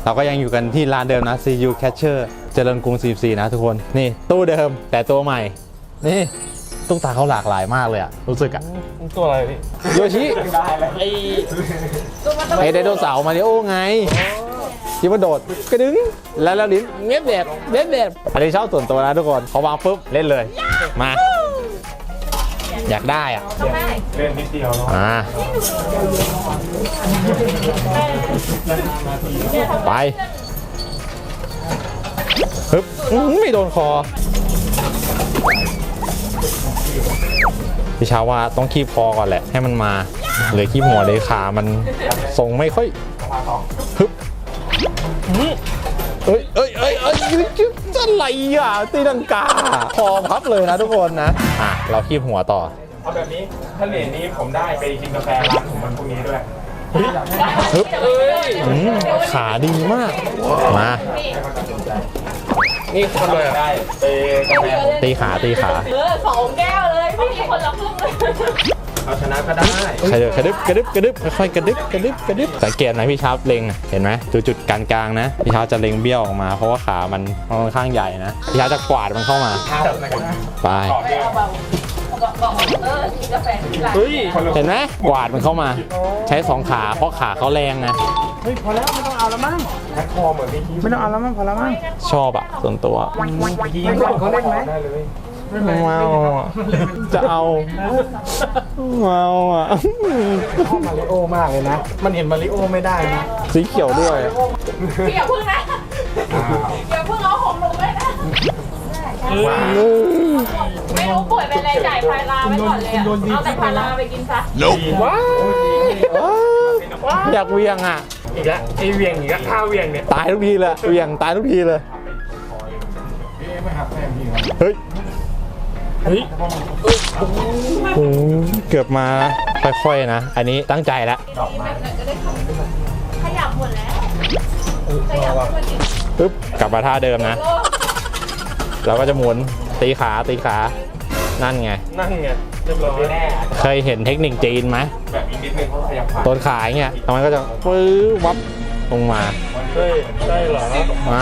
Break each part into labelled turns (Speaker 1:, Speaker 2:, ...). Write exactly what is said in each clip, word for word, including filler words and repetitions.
Speaker 1: เราก็ยังอยู่กันที่ร้านเดิมนะ ซี ยู Catcher เจริญกรุงสี่สิบสี่นะทุกคนนี่ตู้เดิมแต่ตัวใหม่นี่ตุ๊กตาเขาหลากหลายมากเลยอะรู้สึกอะ
Speaker 2: ตัวอะไรพี่
Speaker 1: โยชิ
Speaker 2: ไอ
Speaker 1: ไอไดโนเสาร์มาริโอไงที่มันโดดกระดึงแล้วแล้วลิ้นเงียบแบบเงียบแบบอันนี้ชอบส่วนตัวนะทุกคนพอวางปุ๊บเล่นเลยมาอยากได้อ่ะ
Speaker 2: เล่นนิดเดียวเนาะ
Speaker 1: อ่าไปฮึบอื้อไม่โดนคอพี่ชาว่าต้องคีบคอก่อนแหละให้มันมาเลยคีบหัวเลยขามันทรงไม่ค่อยฮึบเอ้ยเอ้ยเอ้ยเอ้ยจะอะไรอ่ะตีลังกาคอพับเลยนะทุกคนนะอ่ะเราคีบหัวต่อ
Speaker 2: เอาแบบนี้ถ้าเหรียญนี้ผมได้ไปกินกาแฟร้านผมมันพวกนี้ด้วย
Speaker 1: ฮึบอืมขาดีมากมา
Speaker 2: นี่คนเลยได้ไปกาแฟ
Speaker 1: ตีขาตีขา
Speaker 3: เออสองแก้วเลยไม่มีคนละครึ่งเลย
Speaker 2: เอาชนะก็ได้
Speaker 1: กระดึบกระดึบกระดึบกระดึบค่อยๆกระดึบกระดึบกระดึบสังเกตไหมพี่ชาร์ปเล็งเห็นไหมจุดจุดกลางๆนะพี่ชาร์ปจะเล็งเบี้ยวออกมาเพราะว่าขามันค่อนข้างใหญ่นะพี่ชาร์ปจะกวาดมันเข้ามาไป
Speaker 3: เออกินกาแฟที่ร้าน
Speaker 2: เฮ้ย
Speaker 1: เห็นไหมกวาดมันเข้ามา ใช้สองขาเพราะขาเขาแรงนะ
Speaker 2: เฮ้ยพอแล้วไม่ต้องเอาแล้วมั้งแพ็คคอเหมือนพี่ไม่ต้องเอาแล้วมั้งพอแล้วมั้ง
Speaker 1: ชอบอะส่วนตัว
Speaker 2: ยิงเขาเล่นไหมได้เลย
Speaker 1: ไม่เอาอะจะเอาไม่เอาอะ
Speaker 2: ชอบมาริโอมากเลยนะมันเห็นมาริโอไม่ได้นะ
Speaker 1: สีเขียวด้วย
Speaker 3: พี่อย่าพึ่งนะอย่าพึ่งเอาของหนูเลยนะไม่รู้ป่วยเป็นอะไรจ่ายพาราไว้ก่อนเลยเอาแต่พาราไปกินซะ
Speaker 2: ว้าว
Speaker 1: อยากเวียงอะ
Speaker 2: อีกแล้วไอเวียงอีกแล้วท่าเวียงเนี่ย
Speaker 1: ตายทุกทีเลยเวียงตายทุกทีเลยเฮ้ย
Speaker 2: เฮ้ย
Speaker 1: โอ้โหเกือบมาค่อยๆนะ อันนี้ตั้งใจแล้ว
Speaker 3: ขยับหมดแล้วขยับหมดอีก
Speaker 1: ปึ๊บกลับมาท่าเดิมนะเราก็จะหมุนตีขาตีขานั่นไง
Speaker 2: นั่นไงเรียบร้อยแน่
Speaker 1: เคยเห็นเทคนิคจีนไหม
Speaker 2: แบบอีกนิดนึงเขาขยับขา
Speaker 1: ต้นขาอย่างเงี้ยทำไมก็จะปื้อวับลงมา
Speaker 2: เฮ้ยใช่เหรอ
Speaker 1: มา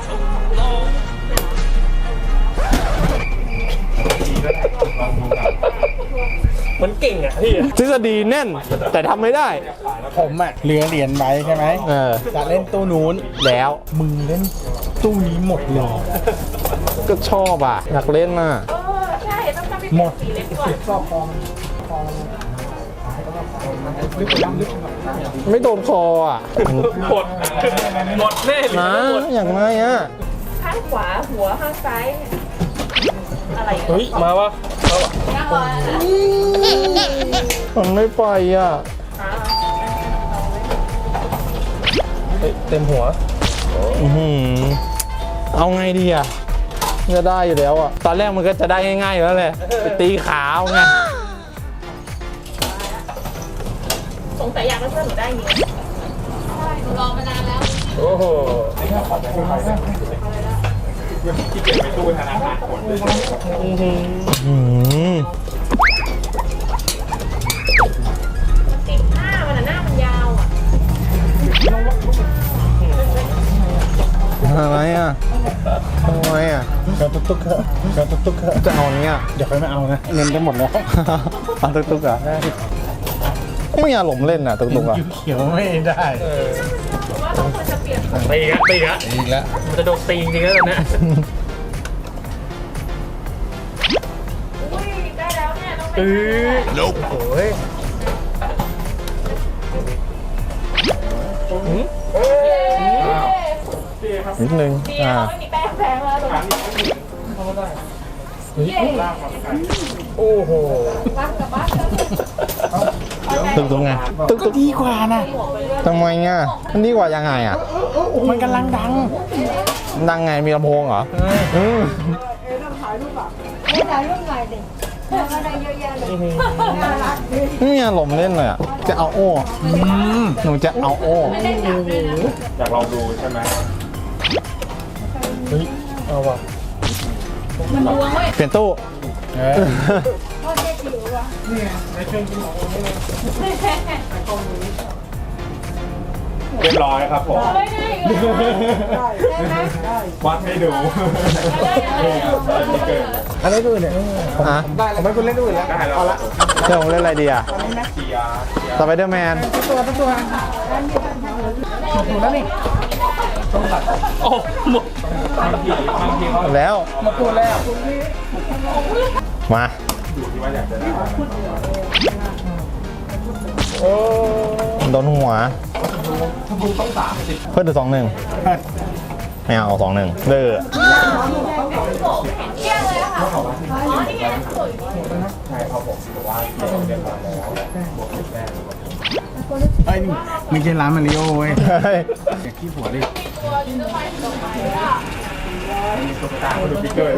Speaker 2: มันเก่งอ่ะพี่
Speaker 1: ทฤษฎีแน่นแต่ทำไม่ได้
Speaker 4: ผมอะเหลือเหรียญไว้ใช่ไหม
Speaker 1: เออ
Speaker 4: จะเล่นตู้นู้น
Speaker 1: แล้ว
Speaker 4: มึงเล่นตู้นี้หมดเลย
Speaker 1: ก็ชอบอ่ะอยากเล่นน่ะ
Speaker 3: เออใช่ต้องทำให้เป็นสีเล็กก่อน
Speaker 4: ชอบฟอง
Speaker 1: ไม่โดนคออ่ะ
Speaker 2: หมดหมดแน่เลย
Speaker 1: นะอย่างไรอ่ะ
Speaker 3: ข้างขวาหัวข้างซ้ายอะไร
Speaker 2: เฮ้ยมาวะมาวะ
Speaker 3: นั่งรอนะ
Speaker 1: มันไม่ไปอ่ะ
Speaker 2: เฮ้ยเต็มหัว
Speaker 1: อื้อหือเอาไงดีอ่ะจะได้อยู่แล้วอ่ะตอนแรกมันก็จะได้ง่ายๆอยู่แล้วแหละไปตีขาเอาไง
Speaker 3: สงสัยอยากให้เพื่อนหนูได้เงี้ยใช่หนูรอมานานแล้ว
Speaker 2: โอ้โหที่เก็บไปตู้ธนาคารหมดเลย
Speaker 1: อืม
Speaker 3: มันติดหน้ามันอะหน้ามันยาวอ่ะ
Speaker 1: อะไรอ่ะทำไมอ่ะ
Speaker 4: กระตุกตุกกระกระตุกตุกกระ
Speaker 1: จะเอาเนี้ย
Speaker 4: เดี๋ยวไปไม่เอานะ เงินจะหมดแล้ว
Speaker 1: เอาตุ๊กตุ๊กอ่ะไม่มีอารมณ์เล่นอ่ะตุ๊กตุ๊กอ่ะ
Speaker 4: เขียวไม่ได้
Speaker 3: เพราะว่าต้องควรจะเปลี่ยน
Speaker 2: ตีกะตีกะ
Speaker 4: อีกแล้ว
Speaker 2: มันจะโดนตีจริงๆแล้วตอนเนี้ย
Speaker 3: อุ้ยได้แล้วเนี่ยต้องไป
Speaker 2: เออโอ้ย
Speaker 1: นิดนึง
Speaker 3: ดี
Speaker 1: อ่า
Speaker 3: เราไม่มีแป้งแพงแล้วตรงนี้เย้
Speaker 2: โอ้โห
Speaker 3: บ้านกับบ้านกัน
Speaker 1: ตุ๊กตุ๊กไงตุ๊กตุ๊ก
Speaker 4: ดีกว่านะ
Speaker 3: หมวกไปเรื่อย
Speaker 1: ทำไมอ่ะมันดีกว่ายังไงอ่ะ
Speaker 4: มันกำลังดัง
Speaker 1: ดังไงมีลำโพงเหรออืม
Speaker 5: ไม่ได้รุ่นใหม่ดิเพื่อนก็ได้เยอะแยะเลยน่ารักดี
Speaker 1: ไม่มีอารมณ์เล่นเลยอ่ะจะเอาโอ้หนูจะเอาโอ้
Speaker 3: ไม่ได้จับเลยนะ
Speaker 2: อยากลองดูใช่ไหม
Speaker 4: เฮ้ย เอาว่ะ
Speaker 3: มันดวงเว้ย
Speaker 1: เปลี่ยนตู้
Speaker 4: เออ
Speaker 5: พ่อเจ๊จิ๋ววะ
Speaker 4: ในเครื่องกินของผมนี่เลย
Speaker 2: เรียบร้อยครับผม
Speaker 3: ได้ได้
Speaker 5: ได้ไหม
Speaker 2: วัดให้ดูนี่ครับที่เกิด
Speaker 4: อันนี้ดูเนี่ย
Speaker 1: อ่ะ
Speaker 4: ได้ผมไม่คุณเล่นดูแล้ว
Speaker 2: ได้แล้ว
Speaker 4: เอาละ
Speaker 1: เดี๋ยวผมเล่นอะไรดีอ่ะ
Speaker 2: เชียร์เชียร์
Speaker 1: สไปเดอร์แมน
Speaker 4: ตัวตัวตัวถูกแล้วนี่
Speaker 2: บางทีบางทีเขา
Speaker 1: แล้ว
Speaker 4: มาพูดแล้ว
Speaker 1: มา
Speaker 2: อยู่ที่ว่าอยากจะได้
Speaker 4: โอ้
Speaker 1: โดนหัว
Speaker 2: ถ้าบุกต้องสามสิบ
Speaker 1: เพิ่มถึงสองหนึ่งไม่เอาสองหนึ่งเด้อ
Speaker 3: เที่ยงเลยค่ะอ๋อนี่ไงสวย
Speaker 2: ใช่ครับผมถือว่าเรียบร้อยแล้วบวกแต้ม
Speaker 4: ไอ้ยนี่ไม่ใช่ร้านมาริโอเว้ย
Speaker 1: เฮ้ย
Speaker 4: อย่าขี้ผัวดิ
Speaker 3: ตัวยูนิเวอร์สดอกไม้อ่ะ
Speaker 2: มีตุ๊กตาเขาดูพิกเกอร์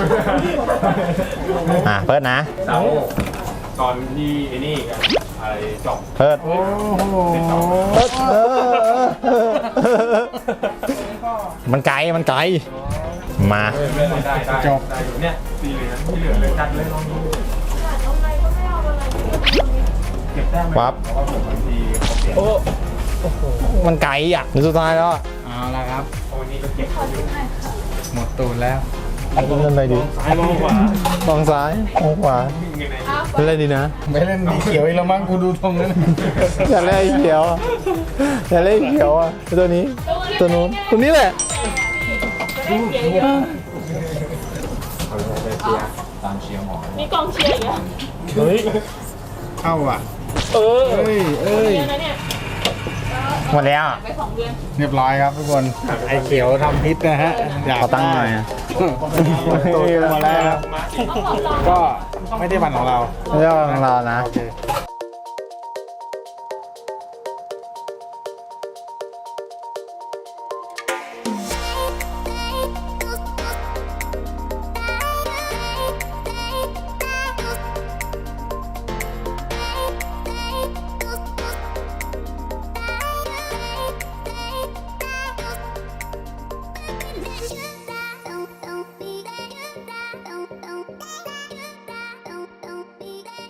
Speaker 1: อ่ะเปิดนะ
Speaker 2: เสาตอนที่ไอ้นี่กันอะไรจบ
Speaker 1: เปิด
Speaker 4: โอ้โห
Speaker 1: เปิดเออมันไกลมันไกลมา
Speaker 2: ได้ได้ได้ได้อยู่เนี่ยสีเหลืองที่เหลือเลยจัดเลยลองดูเก็บแต้ม
Speaker 1: ปั๊บ
Speaker 2: เพราะว่าผมบางทีเขาเปลี่ยน
Speaker 4: โอ้โห
Speaker 1: มันไกลอ่ะในสุดท้ายแล้วอะ
Speaker 4: เอาละครับ
Speaker 2: โอ้นี่ก็เก็บอยู่
Speaker 4: หมดตูนแล้ว
Speaker 1: เล่นอะไรดี
Speaker 2: ซ้ายมองขวา
Speaker 1: มองซ้ายมองขวา
Speaker 2: วิ่งยังไง
Speaker 1: เล่นอะไรดีนะ
Speaker 4: ไม่เล่นดีเขียวอีกแล้วมั้งกูดูทรงนั้น
Speaker 1: อย่าเล่นไอ้เขียวอะอย่าเล่นไอ้เขียวอ่ะตัวนี้ ตัวนู้นตัวนี้แหละ
Speaker 3: จะได้เชียร์เยอะ
Speaker 2: เขาจะไปเชียร์ตามเชียร์หมอ
Speaker 3: มีกองเชียร์อีกอ่ะ
Speaker 4: เฮ้ยเข้าอ่ะ
Speaker 3: เออ
Speaker 4: เอ้ยเอ้ย
Speaker 3: เดือนนะเนี่ย
Speaker 1: หมดแล้วอะ
Speaker 3: ไปสองเดือน
Speaker 4: เรียบร้อยครับทุกคนไอ้เขียวทำพิษนะฮะอยาก
Speaker 1: ขอตั้งค์หน่อยอะ
Speaker 4: ตูนมาแล้วครับก็ไม่ได้วันของเรา
Speaker 1: เรื่องของเรานะ
Speaker 4: โอเค